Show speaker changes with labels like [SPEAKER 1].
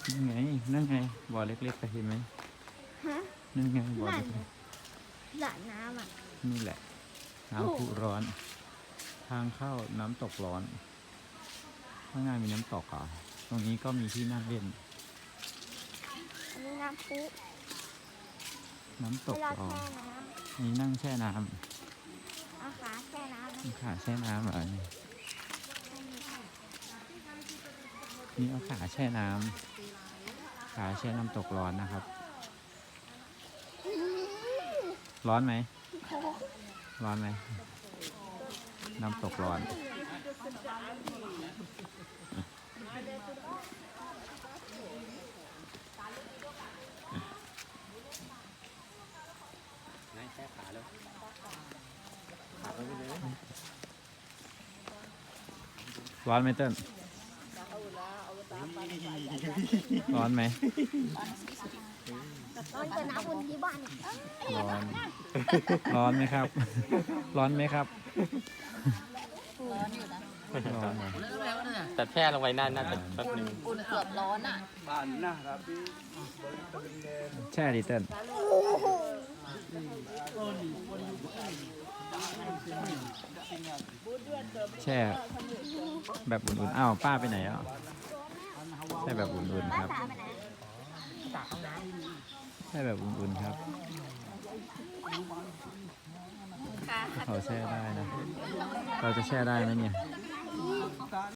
[SPEAKER 1] นั่นไงนั่นไงบ่อเล็กๆเห็นไหม
[SPEAKER 2] ฮะ
[SPEAKER 1] นั่นไงบ่อ
[SPEAKER 2] นั่น
[SPEAKER 1] เล็ก
[SPEAKER 2] สระน้ำอ่ะ
[SPEAKER 1] ๆนี่แหละน้ำพุร้อน ทางเข้าน้ำตกร้อนข้างหน้ามีน้ำตกอ่ะตรงนี้ก็มีที่นั่งเล่น
[SPEAKER 2] อันนี้น้ำพุ
[SPEAKER 1] น้ำต
[SPEAKER 2] เว
[SPEAKER 1] ก
[SPEAKER 2] ลา
[SPEAKER 1] ร้อ
[SPEAKER 2] แช่
[SPEAKER 1] น
[SPEAKER 2] น้
[SPEAKER 1] นี่นั่งแช่น้
[SPEAKER 2] ำเอาขาแช่น้ำ
[SPEAKER 1] ำขาแช่น้ำเหรอนี่เอาขาแช่น้ำขาแช่น้ำตกร้อนนะครับ ร้อนไหม ร้อนไหม น้ำตกร้อน
[SPEAKER 3] แช่ขาแล้ว
[SPEAKER 1] ร้อนไหมเติ้ลร้อนไหม
[SPEAKER 2] ตอนเจอน้ำวนที่บ้านเนี่ย
[SPEAKER 1] ร้อน ร้อนไหมครับ ร้อนไหมครับ
[SPEAKER 4] ร้อนอยู่นะ
[SPEAKER 1] ร้อนไหม
[SPEAKER 3] แต่แช่ลงไปน่าจะแป๊บนึง
[SPEAKER 4] อุ่นเกือบร้อนอ่ะ
[SPEAKER 1] แช่ดิเติ้ลแช่แบบอุ่นๆอ้าวป้าไปไหนอ่ะแช่แบบอุ่นๆครับ
[SPEAKER 2] สาไปไหน
[SPEAKER 1] แช่แบบอุ่นๆครับ
[SPEAKER 2] ขา
[SPEAKER 1] เขาแช่ได้นะ เราจะแช่ได้ไหมเนี่ย